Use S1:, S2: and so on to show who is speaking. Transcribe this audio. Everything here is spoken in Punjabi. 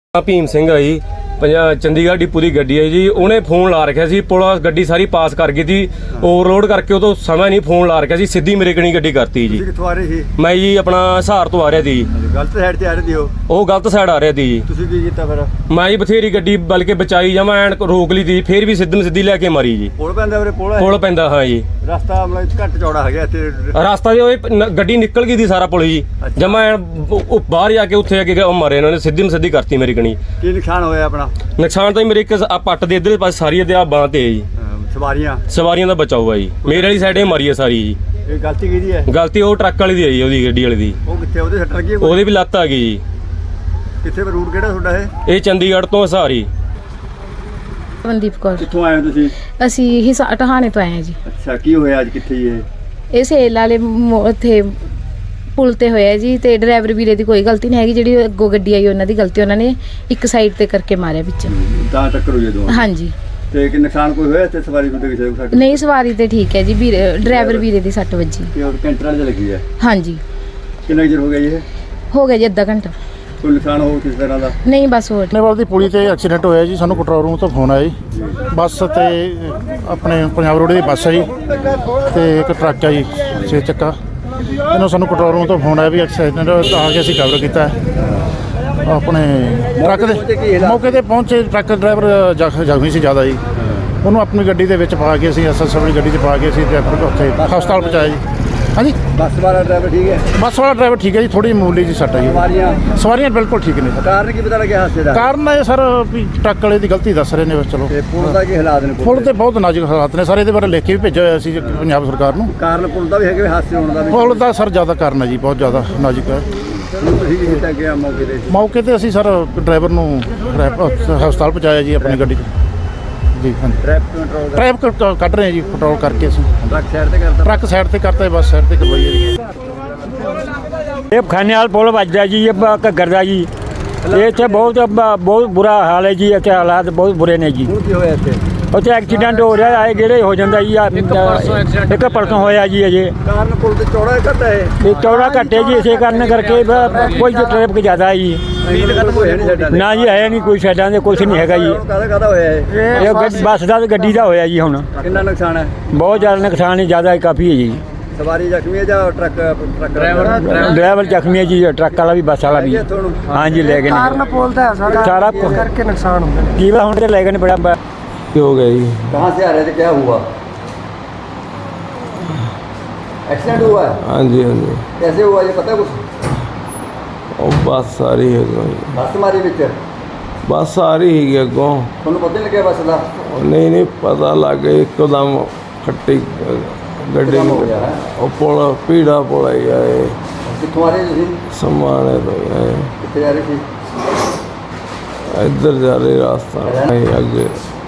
S1: ਭੀਮ ਸਿੰਘ ਆ ਜੀ ਚੰਡੀਗੜ੍ਹ ਡਿਪੂ ਦੀ ਗੱਡੀ ਹੈ ਜੀ। ਉਹਨੇ ਫੋਨ ਲਾ ਰੱਖਿਆ ਸੀ, ਪੁਲਿਸ ਗੱਡੀ ਸਾਰੀ ਪਾਸ ਕਰ ਗਈ ਸੀ, ਓਵਰਲੋਡ ਕਰਕੇ ਉਹ ਤੋਂ ਸਮਾਂ ਨਹੀਂ ਫੋਨ ਲਾ ਰੱਖਿਆ ਸੀ, ਸਿੱਧੀ ਮੇਰੇ ਕਣੀ ਗੱਡੀ ਕਰਤੀ ਜੀ।
S2: ਕਿੱਥੋਂ ਆ ਰਹੇ ਸੀ?
S1: ਮੈਂ ਜੀ ਆਪਣਾ ਹਿਸਾਰ ਤੋਂ ਆ ਰਿਹਾ ਸੀ।
S2: ਗਲਤ ਸਾਈਡ ਤੇ ਆ ਰਹੇ ਸੀ
S1: ਉਹ ਗਲਤ ਸਾਈਡ ਆ ਰਿਹਾ ਸੀ ਜੀ।
S2: ਤੁਸੀਂ ਕੀ ਕੀਤਾ ਫਿਰ?
S1: ਮੈਂ ਜੀ ਬਥੇਰੀ ਗੱਡੀ ਬਲਕਿ ਬਚਾਈ ਜਾਵਾਂ, ਐਨ ਰੋਕ ਲਈ ਸੀ, ਫਿਰ ਵੀ ਸਿੱਧੀ ਲੈ ਕੇ ਮਾਰੀ ਜੀ।
S2: ਪੁਲ ਪੈਂਦਾ ਵੀਰੇ?
S1: ਪੁਲ ਪੈਂਦਾ, ਹਾਂ ਜੀ।
S2: ਰਸਤਾ ਮਤਲਬ ਘੱਟ ਚੌੜਾ ਹੈਗਾ ਇੱਥੇ?
S1: ਰਸਤਾ ਜੀ ਉਹ ਗੱਡੀ ਨਿਕਲ ਗਈ ਸੀ ਸਾਰਾ ਪੁਲ ਜੀ। ਜਮਾ ਬਾਹਰ ਜਾ ਕੇ ਉੱਥੇ ਆ ਕੇ ਮਾਰੇ ਇਹਨਾਂ ਨੇ, ਸਿੱਧੀ ਕਰਤੀ ਮੇਰੀ ਕਣੀ।
S2: ਕੀ ਨੁਕਸਾਨ ਹੋਇਆ ਆਪਣਾ?
S1: ਨੁਕਸਾਨ ਤਾਂ ਮੇਰੇ ਇੱਕ ਆ ਪੱਟ ਦੇ ਇੱਧਰ ਪਾਸੇ ਸਾਰੀ ਤੇ ਆ ਬਾਂਹ ਤੇ ਜੀ। ਸਵਾਰੀਆਂ ਦਾ ਬਚਾਓ ਆ ਜੀ। ਮੇਰੇ ਵਾਲੀ ਸਾਈਡ ਇਹ ਮਾਰੀ ਆ ਸਾਰੀ ਜੀ।
S2: ਇਹ ਗਲਤੀ ਕਿਹਦੀ ਹੈ?
S1: ਗਲਤੀ ਉਹ ਟਰੱਕ ਵਾਲੀ ਦੀ ਹੈ ਜੀ, ਉਹਦੀ ਗੱਡੀ ਵਾਲੀ ਦੀ।
S2: ਉਹ ਕਿੱਥੇ? ਉਹਦੇ ਸੱਟ ਲੱਗੀ?
S1: ਉਹਦੇ ਵੀ ਲੱਤ ਆ ਗਈ ਜੀ।
S2: ਕਿੱਥੇ ਰੂਟ ਕਿਹੜਾ ਤੁਹਾਡਾ ਇਹ?
S1: ਇਹ ਚੰਡੀਗੜ੍ਹ ਤੋਂ ਹਸਾਰੀ।
S3: ਮਨਦੀਪ ਕੌਰ।
S2: ਕਿੱਥੋਂ ਆਏ ਹੋ ਤੁਸੀਂ?
S3: ਅਸੀਂ ਟਹਾਣੇ ਤੋਂ ਆਏ ਹਾਂ ਜੀ।
S2: ਅੱਛਾ, ਕੀ ਹੋਇਆ ਅੱਜ? ਕਿੱਥੇ
S3: ਇਹ ਸੇਲ ਵਾਲੇ ਉੱਥੇ ਪੁਲ ਤੇ ਹੋਇਆ ਜੀ, ਤੇ ਡਰਾਈਵਰ ਵੀਰੇ ਦੀ ਕੋਈ ਗਲਤੀ ਨਹੀਂ ਹੈਗੀ, ਜਿਹੜੀ ਅੱਗੋਂ ਗੱਡੀ ਆਈ ਉਹਨਾਂ ਦੀ ਗਲਤੀ, ਉਹਨਾਂ ਨੇ ਇੱਕ ਸਾਈਡ ਤੇ ਕਰਕੇ ਮਾਰਿਆ ਵਿੱਚ।
S2: ਤਾਂ ਟੱਕਰ ਹੋਈ ਦੋਵਾਂ?
S3: ਹਾਂਜੀ।
S2: ਤੇ ਕਿ ਨੁਕਸਾਨ ਕੋਈ ਹੋਇਆ ਤੇ ਸਵਾਰੀ ਨੂੰ ਕਿਸੇ ਨੂੰ?
S3: ਨਹੀਂ, ਸਵਾਰੀ ਤੇ ਠੀਕ ਹੈ ਜੀ, ਵੀਰੇ ਡਰਾਈਵਰ ਵੀਰੇ ਦੀ ਸੱਟ ਵੱਜੀ।
S2: ਤੇ ਉਹ ਕੈਂਟਰ ਵਾਲੇ ਲੱਗੀ ਹੈ?
S3: ਹਾਂਜੀ।
S2: ਕਿੰਨਾ ਚਿਰ ਹੋ ਗਿਆ ਇਹ?
S3: ਹੋ ਗਿਆ ਜੀ ਅੱਧਾ ਘੰਟਾ।
S2: ਕੋਈ ਨੁਕਸਾਨ ਹੋ ਕਿਸ ਤਰ੍ਹਾਂ ਦਾ?
S3: ਨਹੀਂ, ਬਸ ਹੋਰ।
S4: ਨੇਵਾਲ ਦੀ ਪੁਲੀ ਤੇ ਐਕਸੀਡੈਂਟ ਹੋਇਆ ਜੀ। ਸਾਨੂੰ ਕੰਟਰੋਲ ਰੂਮ ਤੋਂ ਫੋਨ ਆਇਆ ਜੀ। ਬੱਸ ਤੇ ਆਪਣੇ ਪੰਜਾਬ ਰੋਡ ਦੀ ਬੱਸ ਹੈ ਜੀ, ਤੇ ਇੱਕ ਟਰੱਕ ਹੈ ਜੀ 6 ਚੱਕਾ। ਇਹਨੂੰ ਸਾਨੂੰ ਕੰਟਰੋਲ ਰੂਮ ਤੋਂ ਫੋਨ ਆਇਆ ਵੀ ਐਕਸੀਡੈਂਟ ਆ ਕੇ ਅਸੀਂ ਕਵਰ ਕੀਤਾ ਆਪਣੇ ਟਰੱਕ ਦੇ। ਮੌਕੇ ਤੇ ਪਹੁੰਚੇ, ਟਰੱਕ ਡਰਾਈਵਰ ਜ਼ਖਮੀ ਸੀ ਜ਼ਿਆਦਾ ਜੀ। ਉਹਨੂੰ ਆਪਣੀ ਗੱਡੀ ਦੇ ਵਿੱਚ ਪਾ ਕੇ ਅਸੀਂ ਆਪਣੀ ਗੱਡੀ 'ਚ ਪਾ ਕੇ ਅਸੀਂ ਉੱਥੇ ਹਸਪਤਾਲ ਪਹੁੰਚਾਇਆ ਜੀ। ਹਾਂਜੀ।
S2: ਬੱਸ ਵਾਲਾ ਡਰਾਈਵਰ ਠੀਕ ਹੈ?
S4: ਬੱਸ ਵਾਲਾ ਡਰਾਈਵਰ ਠੀਕ ਹੈ ਜੀ, ਥੋੜੀ ਮਾਮੂਲੀ ਜੀ ਸੱਟ ਹੈ ਜੀ। ਸਵਾਰੀਆਂ ਬਿਲਕੁਲ ਠੀਕ ਨੇ।
S2: ਕਾਰਨ ਕੀ ਪਤਾ ਲੱਗਿਆ ਹਾਦਸੇ ਦਾ?
S4: ਕਾਰਨ ਇਹ ਸਰ ਵੀ ਟਰੱਕ ਵਾਲੇ ਦੀ ਗਲਤੀ ਦੱਸ ਰਹੇ ਨੇ। ਚਲੋ,
S2: ਤੇ ਪੁਲ ਦਾ ਕੀ ਹਾਲਾਤ ਨੇ?
S4: ਪੁਲ ਤੇ ਬਹੁਤ ਨਾਜ਼ੁਕ ਹਾਲਾਤ ਨੇ ਸਾਰੇ। ਇਹਦੇ ਬਾਰੇ ਲਿਖ ਕੇ ਵੀ ਭੇਜਿਆ ਹੋਇਆ ਸੀ ਪੰਜਾਬ ਸਰਕਾਰ ਨੂੰ।
S2: ਕਾਰਨ ਪੁਲ ਦਾ ਵੀ ਹੈਗਾ, ਹਾਦਸੇ ਹੋਣ ਦਾ ਵੀ?
S4: ਪੁਲ ਦਾ ਸਰ ਜ਼ਿਆਦਾ ਕਾਰਨ ਹੈ ਜੀ, ਬਹੁਤ ਜ਼ਿਆਦਾ ਨਾਜ਼ੁਕ ਹੈ।
S2: ਤੁਸੀਂ ਕੀ ਕੀਤਾ ਗਿਆ ਮੌਕੇ ਤੇ?
S4: ਮੌਕੇ ਤੇ ਅਸੀਂ ਸਰ ਡਰਾਈਵਰ ਨੂੰ ਹਸਪਤਾਲ ਪਹੁੰਚਾਇਆ ਜੀ ਆਪਣੀ ਗੱਡੀ 'ਚ ਜੀ। ਹਾਂਜੀ, ਟ੍ਰੈਫਿਕ ਕੱਢ ਰਹੇ ਹਾਂ ਜੀ, ਪੈਟਰੋਲ ਕਰਕੇ ਅਸੀਂ।
S2: ਟਰੱਕ ਸਾਈਡ ਤੇ ਕਰਤਾ?
S4: ਟਰੱਕ ਸਾਈਡ ਤੇ ਕਰਤਾ, ਬੱਸ ਸਾਈਡ ਤੇ ਕਰਵਾਈ ਹੈ ਜੀ।
S5: ਇਹ ਖਾਨੇਵਾਲ ਪੁਲ ਵੱਜਦਾ ਜੀ, ਇਹ ਘੱਗਰ ਦਾ ਜੀ। ਇਹ ਇੱਥੇ ਬਹੁਤ ਬੁਰਾ ਹਾਲ ਹੈ ਜੀ, ਇੱਥੇ ਹਾਲਾਤ ਬਹੁਤ ਬੁਰੇ ਨੇ ਜੀ।
S2: ਹੁਣ ਕੀ ਹੋਇਆ ਇੱਥੇ?
S5: ਉੱਥੇ ਐਕਸੀਡੈਂਟ ਹੋ ਰਿਹਾ ਹੈ, ਗੇੜੇ ਹੋ ਜਾਂਦਾ ਜੀ। ਇੱਕ ਪਰਸੋਂ ਹੋਇਆ ਜੀ ਅਜੇ।
S2: ਕਾਰਨ ਪੁਲ ਤੇ ਚੌੜਾ ਘੱਟ ਹੈ?
S5: ਇਹ ਚੌੜਾ ਘੱਟੇ ਜੀ, ਇਸੇ ਕਾਰਨ ਕਰਕੇ ਕੋਈ ਟ੍ਰੈਫਿਕ ਜ਼ਿਆਦਾ ਹੈ ਜੀ। ਨਾ ਜੀ, ਹੈ ਨਹੀਂ ਕੋਈ ਸਾਈਡਾਂ ਦੇ, ਕੁਛ ਨਹੀਂ ਹੈਗਾ ਜੀ।
S2: ਕਾਹਦਾ ਹੋਇਆ
S5: ਇਹ ਬੱਸ ਦਾ ਤੇ ਗੱਡੀ ਦਾ ਹੋਇਆ ਜੀ। ਹੁਣ
S2: ਕਿੰਨਾ ਨੁਕਸਾਨ ਹੈ?
S5: ਬਹੁਤ ਜ਼ਿਆਦਾ ਨੁਕਸਾਨ ਹੈ, ਜ਼ਿਆਦਾ ਕਾਫੀ ਹੈ ਜੀ।
S2: ਸਵਾਰੀ ਜ਼ਖਮੀ ਹੈ ਜਾਂ ਟਰੱਕ
S5: ਡਰਾਈਵਰ ਜ਼ਖਮੀ ਹੈ ਜੀ, ਟਰੱਕ ਵਾਲਾ ਵੀ ਬੱਸ ਵਾਲਾ ਵੀ। ਹਾਂਜੀ, ਲੈ ਗਏ ਨੇ।
S6: ਕਾਰਨ ਪੁਲ ਦਾ
S5: ਸਾਰਾ
S6: ਕਰਕੇ ਨੁਕਸਾਨ ਹੁੰਦਾ है।
S5: ਕੀ ਹੁਣ ਤੇ ਲੈ ਗਏ ਨੇ ਬੜਾ
S1: ਕੀ ਹੋ ਗਿਆ ਜੀ?
S2: कहाँ से आ रहे थे? क्या हुआ? एक्सीडेंट हुआ है?
S1: हाँ जी, हाँ जी।
S2: कैसे हुआ ये पता है कुछ?
S1: ਉਹ ਬੱਸ ਆ ਰਹੀ ਹੈ ਅੱਗੋਂ ਜੀ।
S2: बस मारी बिच?
S1: ਬੱਸ ਆ ਰਹੀ ਹੈਗੀ ਅੱਗੋਂ।
S2: ਤੁਹਾਨੂੰ ਪਤਾ ਨਹੀਂ ਲੱਗਿਆ ਬੱਸ ਦਾ?
S1: ਨਹੀਂ ਪਤਾ ਲੱਗ ਗਿਆ, ਇੱਕਦਮ ਖੱਟੀ ਗੱਡੀ
S2: ਇੱਕਦਮ ਹੋ ਗਿਆ ਹੈ।
S1: ਉਹ ਪੁਲ ਪੀੜਾ ਪੁਲ ਆਇਆ ਇਹ
S2: ਕਿੱਥੋਂ ਆ ਰਹੇ ਤੁਸੀਂ?
S1: ਸਮਾਣੇ ਤੋਂ
S2: ਕਿੱਥੇ ਜਾ ਰਹੇ ਸੀ?
S1: ਇੱਧਰ ਜਾ ਰਹੇ ਰਾਸਤਾ ਨਹੀਂ ਅੱਗੇ